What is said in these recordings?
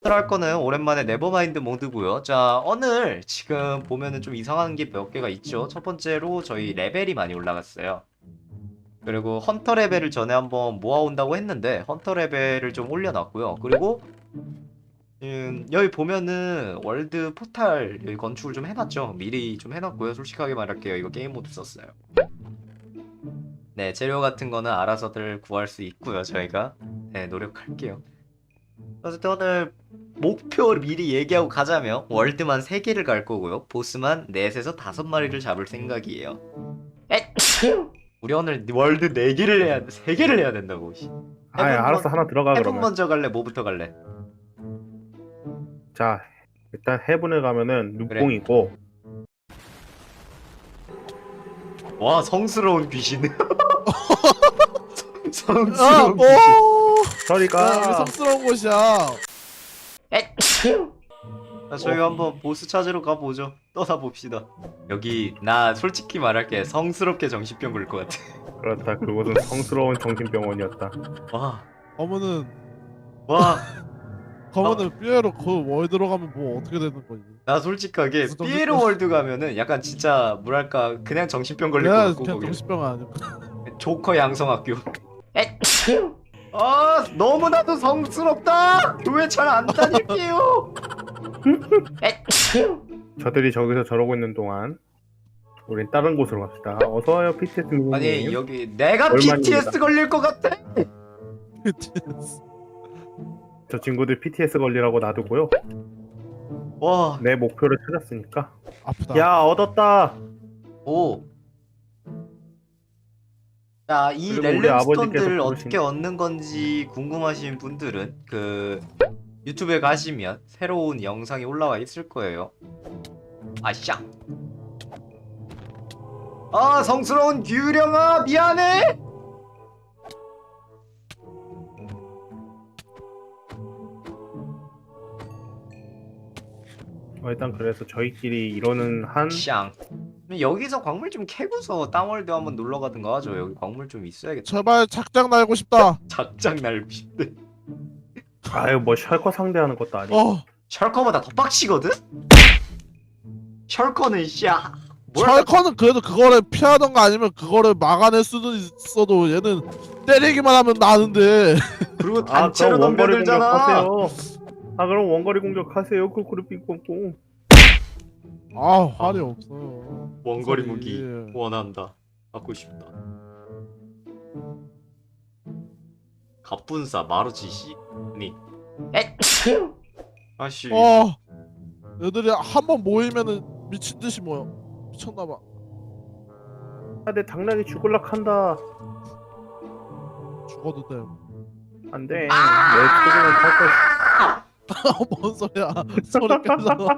할 거는 오랜만에 네버마인드 모드고요. 자, 오늘 지금 보면은 좀 이상한 게 몇 개가 있죠. 첫 번째로 저희 레벨이 많이 올라갔어요. 그리고 헌터 레벨을 전에 한번 모아온다고 했는데 헌터 레벨을 좀 올려놨고요. 그리고 여기 보면은 월드 포탈 여기 건축을 좀 해놨죠. 미리 좀 해놨고요. 솔직하게 말할게요. 이거 게임 모드 썼어요. 네, 재료 같은 거는 알아서들 구할 수 있고요. 저희가 네, 노력할게요. 어쨌든 오늘 목표를 미리 얘기하고 가자면 월드만 3개를 갈 거고요. 보스만 4에서 5마리를 잡을 생각이에요. 우리 오늘 월드 4개를 해야 돼. 3개를 해야 된다고. 아, 알았어. 하나 들어가 해븐 그러면. 먼저 갈래? 뭐부터 갈래? 자, 일단 해븐을 가면은 그래. 눈뽕이고. 와, 성스러운 귀신. 아, 성스러운 오! 귀신. 저리가. 여기 섭스러운 곳이야. 자, 저희 한번 보스 찾으러 가보죠. 떠나봅시다. 여기 나 솔직히 말할게 성스럽게 정신병 걸 것 같아. 그렇다. 그곳은 성스러운 정신병원이었다. 와, 검은은 와, 삐에로 그 월드로 가면 뭐 어떻게 되는 거지? 나 솔직하게 무슨 정신병- 삐에로 월드 가면은 약간 진짜 뭐랄까 그냥 정신병 걸릴 것 내가 같고 그냥 거기 정신병 아니야. 조커 양성학교. 아, 너무나도 성스럽다. 왜 잘 안 다닐게요? 저들이 저기서 저러고 있는 동안 우린 다른 곳으로 갑시다. 어서 와요, PTS 미님. 아니 여기 내가 얼마입니다. BTS 걸릴 것 같아. 저 친구들 PTS 걸리라고 놔두고요. 와, 내 목표를 찾았으니까. 아프다. 야, 얻었다. 오. 자, 이 그리고 우리 아버지께서 렐렘스톤들을 부르신- 어떻게 얻는 건지 궁금하신 분들은 그 유튜브에 가시면 새로운 영상이 올라와 있을 거예요. 아샤. 아, 성스러운 규령아, 미안해. 일단 그래서 저희끼리 이러는 한 샹. 그럼 여기서 광물 좀 캐고서 땅월드 한번 놀러 가든가 하죠. 여기 광물 좀 있어야겠다. 제발 작작 날고 싶다. 작작 날고 싶대. 아유 뭐 셜커 상대하는 것도 아니고. 셜커보다 더 빡치거든? 셜커는 씨야. 찰커는 그래도 그거를 피하던가 아니면 그거를 막아낼 수도 있어도 얘는 때리기만 하면 나는데. 그리고 아, 단체로 그럼 원거리 덤벼들잖아. 공격하세요. 아, 그럼 원거리 공격하세요. 꿀꿀이 삥뽕뽕. 아 활이 없어요. 원거리 소리. 무기 원한다. 갖고 싶다. 갑분싸 마루치 씨. 니. 아씨. 얘들이 한 번 모이면은 미친 듯이 모여. 미쳤나봐. 아, 내 당나귀 죽을락 한다. 죽어도 돼. 안 돼. 내 소리는 살 거. 뭔 소리야? 소리 깨져.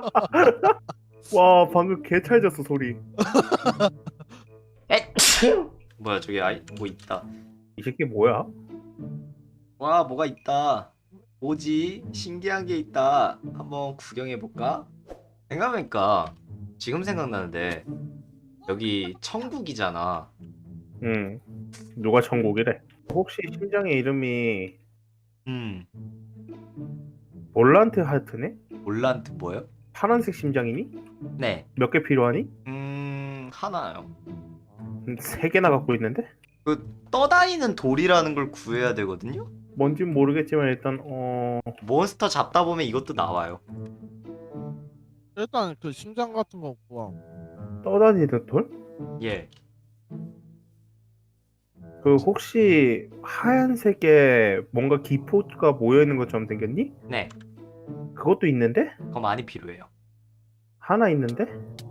와, 방금 개 찰졌어 소리. 뭐야 저기 아이 뭐 있다. 이 새끼 뭐야? 와 뭐가 있다. 뭐지? 신기한 게 있다. 한번 구경해 볼까? 생각해보니까 지금 생각나는데 여기 천국이잖아. 응. 누가 천국이래? 혹시 심장의 이름이 음. 몰란트 하트네? 올란트 뭐요? 파란색 심장이니? 네. 몇 개 필요하니? 하나요. 3개나 갖고 있는데? 그 떠다니는 돌이라는 걸 구해야 되거든요. 뭔진 모르겠지만 일단 몬스터 잡다 보면 이것도 나와요. 일단 그 심장 같은 거 구하. 떠다니는 돌? 예. 그 혹시 하얀색에 뭔가 기포가 모여 있는 것처럼 생겼니? 네. 그것도 있는데? 그거 많이 필요해요. 하나 있는데?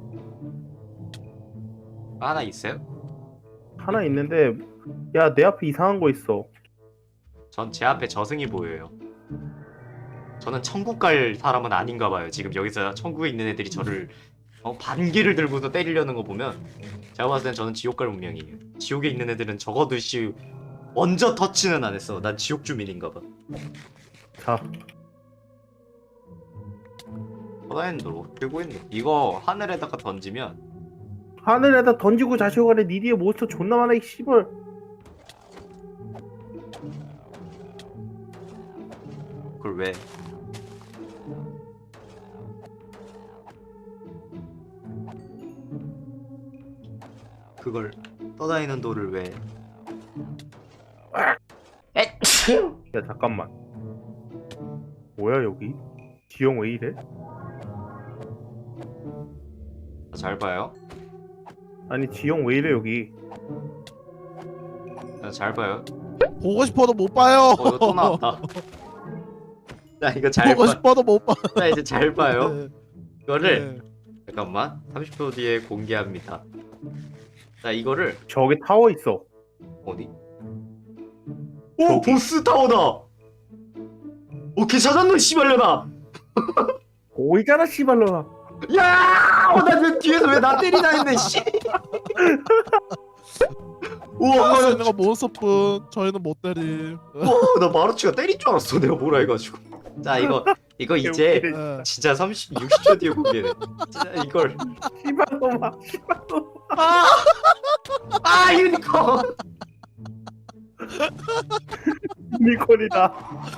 하나 있어요? 하나 있는데 야, 내 앞에 이상한 거 있어. 전 제 앞에 저승이 보여요. 저는 천국 갈 사람은 아닌가 봐요. 지금 여기서 천국에 있는 애들이 저를 반기를 들고서 때리려는 거 보면 제가 봤을 땐 저는 지옥 갈 운명이에요. 지옥에 있는 애들은 적어도 씨 먼저 터치는 안 했어. 난 지옥 주민인가 봐. 자, 허다엔도로 들고 있네. 이거 하늘에다가 던지면 하늘에다 던지고 자시고 가래. 니 뒤에 몬스터 존나 많아 이 씨발. 그걸 왜? 그걸 떠다니는 돌을 왜? 에? 야 잠깐만. 뭐야 여기? 지형 왜 이래? 잘 봐요. 아니 지형 왜 이래 여기? 잘 봐요. 보고 싶어도 못 봐요. 이거 또 나왔다. 자 이거 잘 보고 봐. 싶어도 못 봐. 자 이제 잘 봐요. 네. 이거를 네. 잠깐만 30초 뒤에 공개합니다. 자 이거를 저기 타워 있어. 어디? 오 보스 타워다. 오케이 찾았노 씨발려나. 오이잖아 씨발로나. 야! 나 뒤에서 왜 나 때리나 했네 씨. 우와 할수 있는 거 몬스터뿐. 저희는 못 때림. 나 마루치가 때린 줄 알았어 내가 뭐라 해가지고. 자 이거 이제 네. 진짜 60초 뒤에 공개돼. 진짜 이걸 씨발로마. 아 유니콘. 유니콘이다.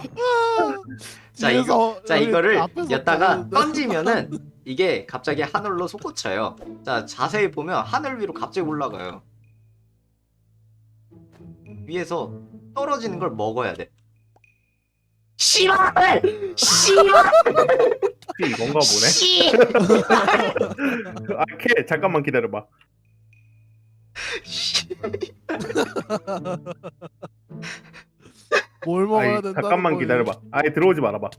자 뒤에서 자 여기 이거를 앞에서 여기다가 보는데. 던지면은 이게 갑자기 하늘로 솟구쳐요. 자 자세히 보면 하늘 위로 갑자기 올라가요. 위에서 떨어지는 걸 먹어야 돼. 씨발! 씨발! 혹시 이건가 보네. 씨! 아케 잠깐만 기다려봐. 뭘 먹어야 아이, 된다. 잠깐만 기다려봐. 아예 들어오지 말아봐.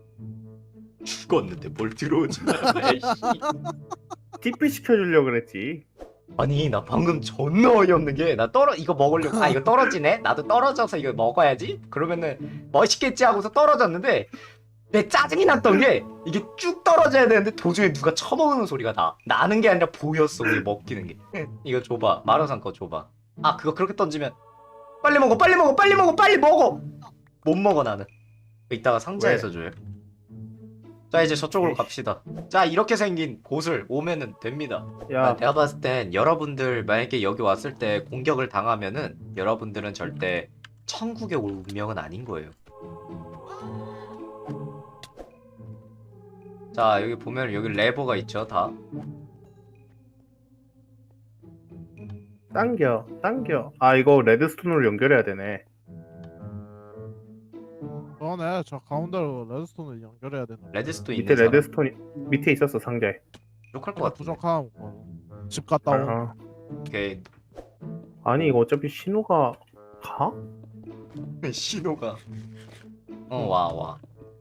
죽었는데 뭘 들어오지 말래. TP 시켜주려고 그랬지. 아니 나 방금 존나 어이없는 게 나 이거 먹으려고 이거 떨어지네? 나도 떨어져서 이거 먹어야지? 그러면은 멋있겠지 하고서 떨어졌는데 내 짜증이 났던 게 이게 쭉 떨어져야 되는데 도중에 누가 쳐먹는 소리가 나는 게 아니라 보였어 우리 먹히는 게. 이거 줘봐 마루산 거 줘봐. 아 그거 그렇게 던지면 빨리 먹어 빨리 먹어 빨리 먹어 빨리 먹어. 못 먹어 나는. 이따가 상자에서 줘요. 자 이제 저쪽으로 갑시다. 자 이렇게 생긴 곳을 오면은 됩니다. 야 내가 봤을 땐 여러분들 만약에 여기 왔을 때 공격을 당하면은 여러분들은 절대 천국의 운명은 아닌 거예요. 자 여기 보면 여기 레버가 있죠 다. 당겨. 아 이거 레드스톤으로 연결해야 되네. 그러네. 저 가운데로 레드스톤을 연결해야 되는. 레드스톤 밑에 있는 사람 레드스톤이 밑에 있었어 상자에. 욕할 것 근데 같은데. 부족함. 집 갔다 온. 아, 오케이. 아니 이거 어차피 신호가 가? 신호가 와.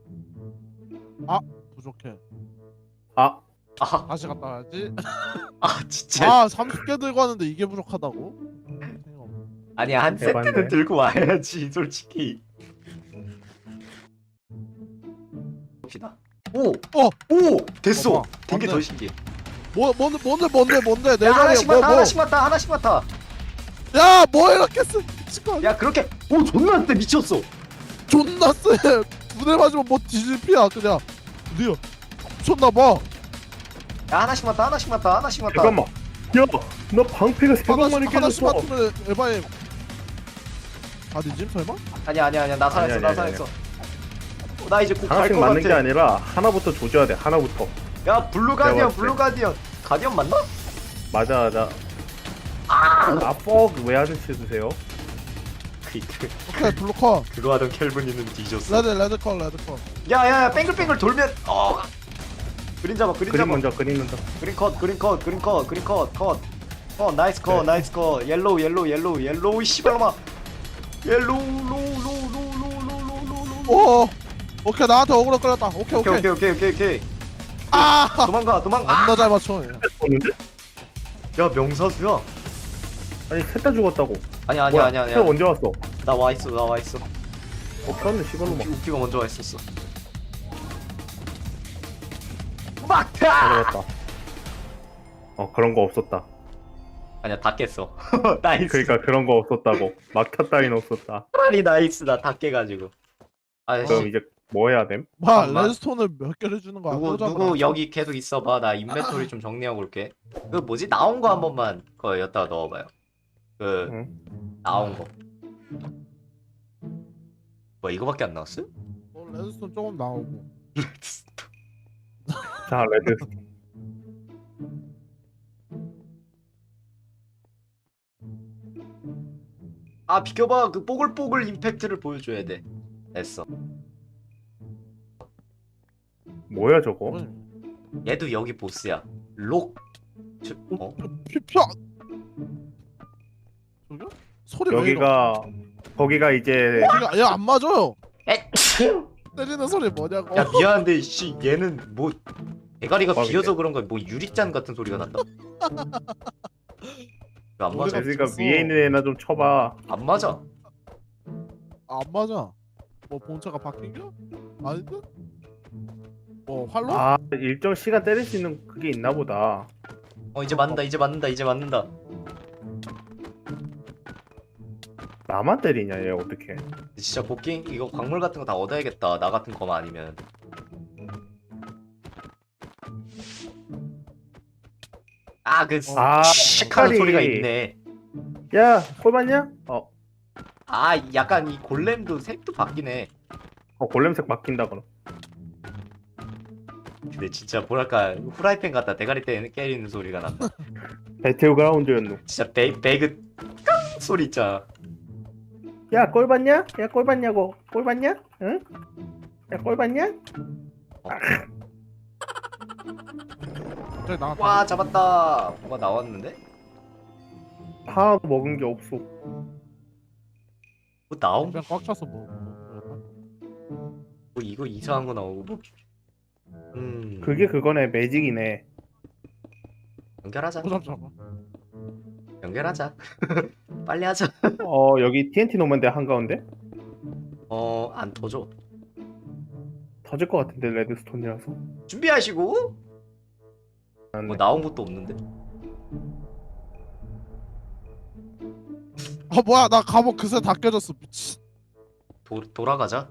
부족해. 아 아, 다시 갔다 와야지. 진짜. 아 30개 들고 왔는데 이게 부족하다고? 아니야 한 대박이네. 세트는 들고 와야지 솔직히. 봅시다. 오 됐어. 봐봐. 된 게 더 맞네. 신기해. 뭔데 내 야, 자리에 하나씩 맡아 하나씩 맡아. 야, 뭐 이렇게 쓰? 미친거 야 그렇게 존나 세 미쳤어. 존나 쎄. 두대 맞으면 뭐 뒤질 피야 그냥. 드디어 미쳤나봐. 야 하나씩 맡아. 잠깐만. 야너 방패가 세 방만이 하나씩 깨졌어. 맞으면 에바임. 아니지 설마? 아니야 나 살았어. 아니야, 나 아니야, 살았어. 나 이제 곧 갈 하나씩 것 맞는 게 같아. 아니라 하나부터 조져야 돼. 하나부터. 야 블루 가디언 내가 봤을 블루 가디언 가디언 맞나? 맞아. 뻑왜 아저씨 드세요? 오케이 블루커. 그거 하던 켈빈이는 뒤졌어. 레드컬. 야야야 뱅글뱅글 돌면 그린 잡아 그림 먼저. 그린 컷 나이스 컷 네. 나이스 컷 옐로우 씨발놈아 옐로우 오. 오케이 나한테 어그로 끌었다. 오케이. 오케이 아. 도망가 겁나 잘 맞춰. 오는데? 야 명사수야. 아니 셋 다 죽었다고. 아니야 셋 언제 왔어? 나 와있어 그런데 시발로 막 우피가 먼저 와있었어. 가져갔다. 그런 거 없었다. 아니야 다 깼어. 나이스. 그러니까 그런 거 없었다고. 막타 따윈 없었다. 빨리 나이스 나 다 깨가지고. 그럼 아저씨 이제 뭐 해야 됨? 잠깐만. 레드스톤을 몇 개를 주는 거야? 누구 여기 계속 있어봐. 나 인벤토리 좀 정리하고 올게. 그 뭐지 나온 거 한 번만 그 여기다가 넣어봐요. 그 응? 나온 거. 뭐 이거밖에 안 나왔어? 레드스톤 조금 나오고. 자 레드. 아 비켜봐. 그 뽀글뽀글 임팩트를 보여줘야 돼. 됐어. 뭐야 저거? 얘도 여기 보스야. 록. 어? 피피야. 저기요? 소리 왜 이러? 거기가 이제 얘안 맞아요. 에? 때리는 소리 뭐냐고. 야 미안한데 씨 얘는 뭐 대가리가 대박이네. 비어서 그런가 뭐 유리잔 같은 소리가 난다. 이거 안 맞아. 제스가 없어. 위에 있는 애나 좀 쳐봐. 안 맞아. 안 맞아. 뭐 본체가 바뀐겨? 아닌데? 뭐 활로? 아 일정 시간 때릴 수 있는 그게 있나 보다. 이제 맞는다. 이제 맞는다. 이제 맞는다. 나만 때리냐 얘 어떻게? 진짜 복귀 이거 광물 같은 거 다 얻어야겠다. 나 같은 거만 아니면. 그 씩하는 색깔이- 소리가 있네. 야 콜봤냐? 약간 이 골렘도 색도 바뀌네. 골렘색 바뀐다 그럼. 근데 진짜 뭐랄까 후라이팬 같다. 대가리 때리는 소리가 난다. 배틀그라운드였노. 진짜 배그 깡 소리 있잖아. 야 꼴봤냐? 야 꼴봤냐고? 꼴봤냐? 응? 야 꼴봤냐? 갑자기 나갔다. 와 잡았다. 뭐가 나왔는데? 하나도 먹은 게 없어. 뭐 나온 그냥 꽉 찼어 뭐. 뭐 이거 이상한 거 나오고. 그게 그거네 매직이네. 연결하자. 잠깐만. 연결하자. 빨리 하자. 여기 TNT 놓으면 돼 한가운데? 안 터져. 터질 것 같은데 레드스톤이라서. 준비하시고. 뭐 나온 것도 없는데. 뭐야 나 갑옷 그새 다 깨졌어 미친. 돌아가자.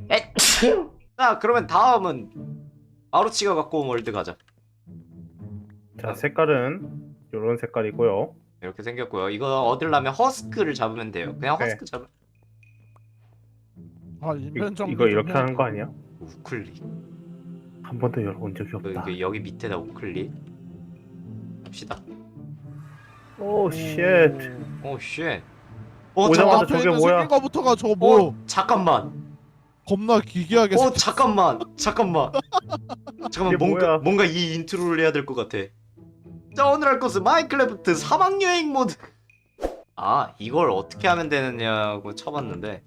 자 그러면 다음은 아루치가 갖고 온 월드 가자. 자 색깔은 이런 색깔이고요. 이렇게 생겼고요. 이거 얻으려면 허스크를 잡으면 돼요. 그냥 네. 허스크 잡으면 인벤 정리 이거 좀 이렇게 해야겠다. 하는 거 아니야? 우클릭. 한 번도 열어본 적이 없다. 여기 밑에다 우클릭. 합시다. 오 쉣. 오 쉣. 오자마자 앞에 저게 있는 뭐야? 생긴 거부터가 저거 뭐 잠깐만. 겁나 기괴하게 잠깐만. 잠깐만 이게 뭐야? 뭔가 이 인트로를 해야 될 것 같아. 자 오늘 할 것은 마인크래프트 사막 여행 모드. 이걸 어떻게 하면 되느냐고 쳐봤는데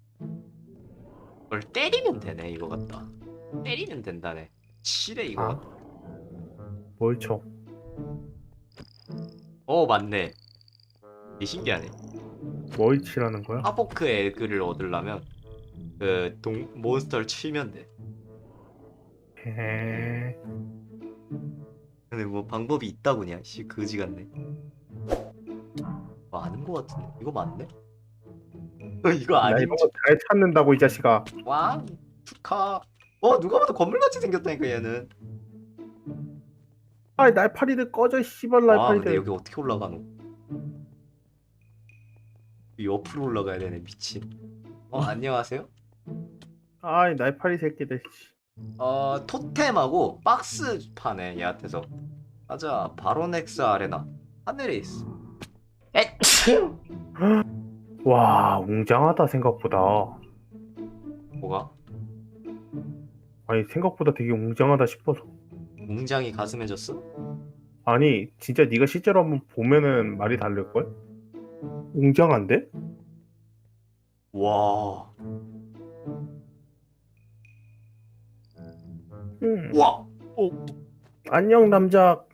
이걸 때리면 되네. 이거 같다. 때리면 된다네. 치래 이거. 뭘 쳐? 맞네. 이게 신기하네. 뭘 치라는 거야? 하보크 에그를 얻으려면 그 몬스터를 치면 돼. 헤헤. 근데 뭐 방법이 있다고냐? 씨 그지 같네. 아는 거 같은데 이거 맞네? 이거 나 아닌지. 이런 거잘 찾는다고 이 자식아. 와 축하. 누가 봐도 건물같이 생겼다니까 얘는. 날파리들 꺼져 씨발 근데 날파리들. 여기 어떻게 올라가노? 이 옆으로 올라가야 되네 미친. 안녕하세요. 날파리 새끼들. 토템하고 박스 파네 얘한테서. 가자. 바로넥스 아레나 하늘에 있어. 와 웅장하다 생각보다. 뭐가? 아니 생각보다 되게 웅장하다 싶어서. 웅장이 가슴에 졌어? 아니 진짜 네가 실제로 한번 보면은 말이 다를걸? 웅장한데? 와. 와. 안녕 남자.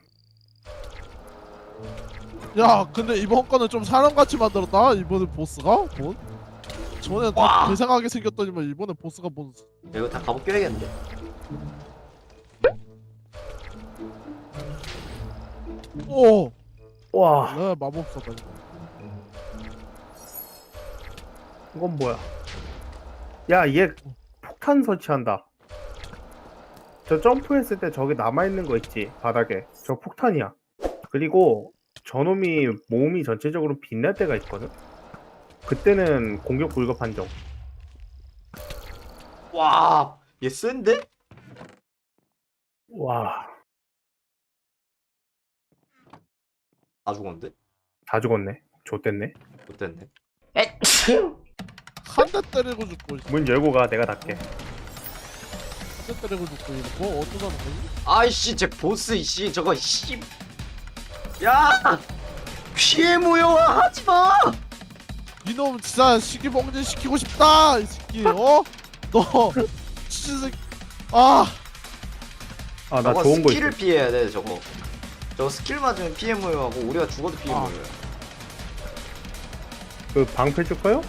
야 근데 이번 거는 좀 사람같이 만들었다 이번에 보스가 뭔? 전에 다 와. 괴상하게 생겼더니만 이번에 보스가 뭔? 이거 다 갑옷 껴야겠는데. 오. 와 네 마법사다 이거. 이건 뭐야? 야 얘 폭탄 설치한다. 저 점프했을 때 저기 남아있는 거 있지 바닥에. 저 폭탄이야. 그리고 저놈이 몸이 전체적으로 빛날 때가 있거든. 그때는 공격 불가 판정. 와. 얘 센데? 와 다 죽었는데? 다 죽었네. 좆됐네. 못됐네. 한 대 때리고 죽고 문 열고 가. 내가 닫게. 한 대 때리고 죽고 이거 뭐 어쩌자는 거지? 아이씨 제 보스 이씨 저거 씨. 야 피해 모여와 하지마. 이놈 진짜 시기봉진 시키고 싶다 이 새끼. 어? 너 진짜 새끼. 아 아, 나 저거 좋은 거 있어. 스킬을 피해야 돼 저거. 저거 스킬 맞으면 피해 모여하고 우리가 죽어도 피해 아. 모여요. 그 방패 줄까요?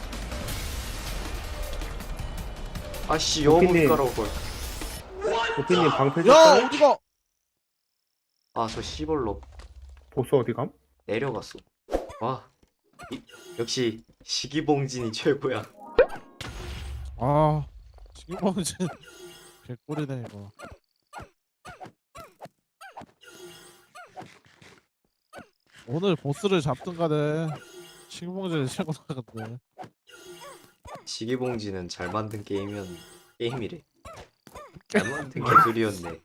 아씨 여우 도끼님. 깔아올 걸. 도피님 방패 야 줄까요? 어디가? 아저 씨벌로 보스 어디 감? 내려갔어. 와 역시 시기봉진이 최고야. 아 시기봉진 개꿀이네 이거. 오늘 보스를 잡든 간에 시기봉진이 최고나거든. 시기봉진은 잘 만든 게임이래. 잘 만든 개소리였네.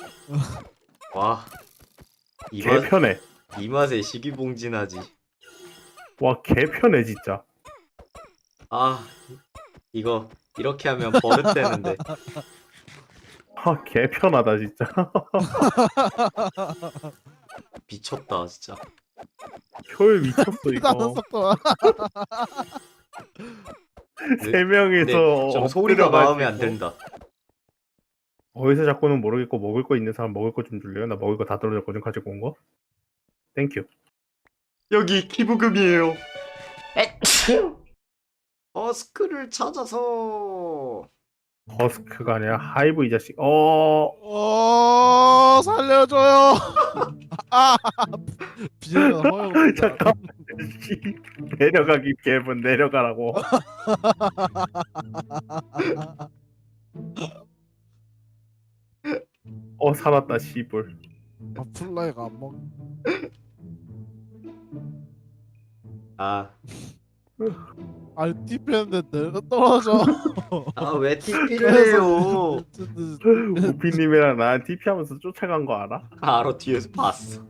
개편해. 이 맛에 시기봉진하지. 와, 개편해 진짜. 아 이거 이렇게 하면 버릇되는데. 아, 개편하다 진짜. 미쳤다 진짜. 효율 미쳤어 나는 이거. 속도가. 세 명이서 좀 소리가 엎드려가지고. 마음에 안 든다. 어디서 자꾸는 모르겠고 먹을 거 있는 사람 먹을 거 좀 줄래요? 나 먹을 거 다 떨어졌거든 가지고 온 거. 땡큐. 여기 기부금이에요. 어스크를 찾아서. 버스크가 아니라 하이브 이 자식. 살려줘요. 아 비행가 허용. 잠깐. 씨, 내려가기 개분 내려가라고. 살았다 씨불. 아 플라이가 안 먹. 아 아니 TP했는데 내가 떨어져. 왜 TP를 해요? 우피님이랑 나 TP 하면서 쫓아간 거 알아? 알아 뒤에서 봤어.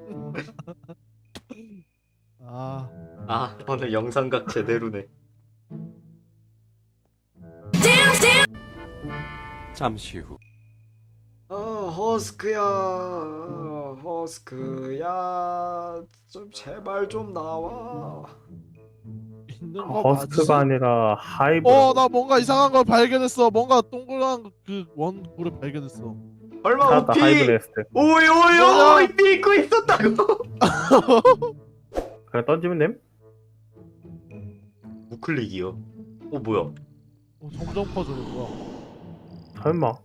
아 오늘 영상각 제대로네. 잠시 후. 허스크야, 허스크야, 좀 제발 좀 나와. 있는 거 버스크가 맞지? 아니라 하이브. 나 뭔가 이상한 걸 발견했어. 뭔가 동그란 그 원고를 발견했어. 얼마 찾았다 오피? 하이브 레스트. 오이 뭐야? 믿고 있었다고. 그냥 던지면 됨? 우클릭이요. 뭐야? 점점 퍼져 뭐야? 설마.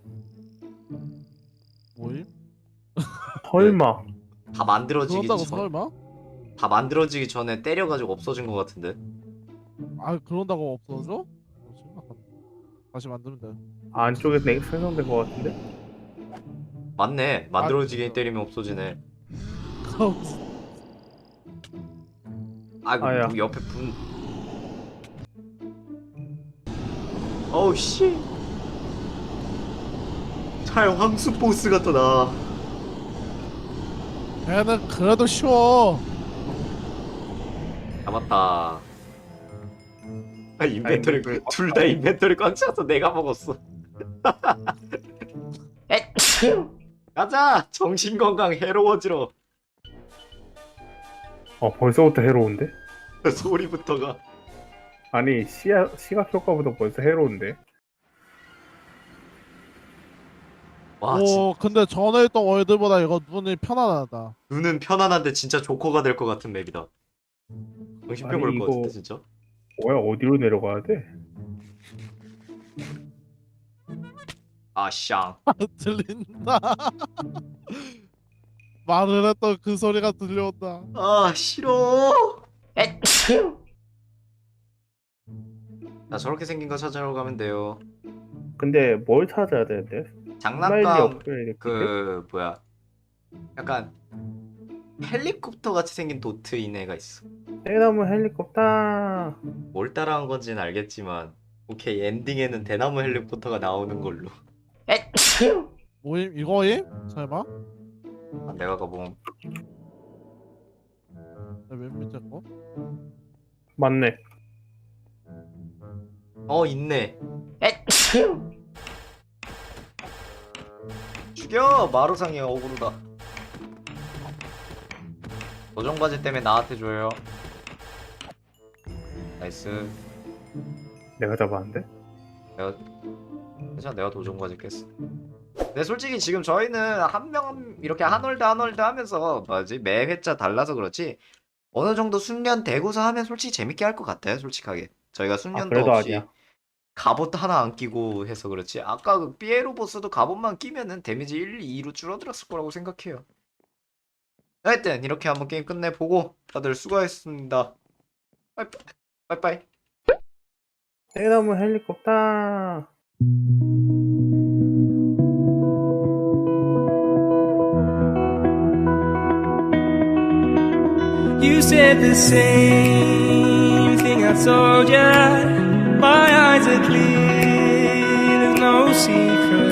뭐임? 설마. 다 만들어지기 그런다고 전, 설마? 다 만들어지기 전에 때려가지고 없어진 것 같은데. 아 그런다고 없어져? 심각하다. 다시 만들면 돼. 안쪽에 생성된 거 같은데? 맞네. 만들어지게 때리면 없어지네. 아야. 뭐 옆에 분. 어우 씨. 차라리 황수 보스가 더 나아. 걔는 그래도 쉬워. 잡았다. 인벤토리 아니, 둘 다 인벤토리 꽉 차서 내가 먹었어. 가자. 정신 건강 해로워지러. 벌써부터 해로운데? 소리부터가. 아니 시각 효과보다 벌써 해로운데? 와 오 근데 전에 있던 월드보다 이거 눈이 편안하다. 눈은 편안한데 진짜 조커가 될 것 같은 맵이다. 정신병 아니, 올 것 이거- 같은데 진짜. 뭐야 어디로 내려가야 돼? 아샹. 들린다. 말을 했던 그 소리가 들려온다. 아 싫어. 자 저렇게 생긴 거 찾으러 가면 돼요. 근데 뭘 찾아야 되는데? 스마일리 장난감 업그레이드 키트? 그 뭐야? 약간 헬리콥터 같이 생긴 도트인 애가 있어. 대나무 헬리콥터. 뭘 따라한 건지는 알겠지만 오케이 엔딩에는 대나무 헬리콥터가 나오는 걸로. 뭐임 이거임? 설마? 내가 가본. 맨 밑에 거? 맞네. 있네. 죽여! 마루상이 억울하다. 도전과제 때문에 나한테 줘요. 나이스. 내가 잡았는데? 괜찮아, 내가 도전과제 깼어. 근데 솔직히 지금 저희는 한 명 이렇게 한 홀드 한 홀드 하면서 매 회차 달라서 그렇지 어느 정도 숙련 되고서 하면 솔직히 재밌게 할 것 같아요. 솔직하게 저희가 숙련도 그래도 없이 아니야. 갑옷 하나 안 끼고 해서 그렇지 아까 그 피에로 보스도 갑옷만 끼면은 데미지 1, 2로 줄어들었을 거라고 생각해요. 하여튼 이렇게 한번 게임 끝내보고 다들 수고하셨습니다. 빠이빠이. 빠이빠이. 대나무 헬리콥터. You said the same thing I told ya. My eyes are clear, there's no secret.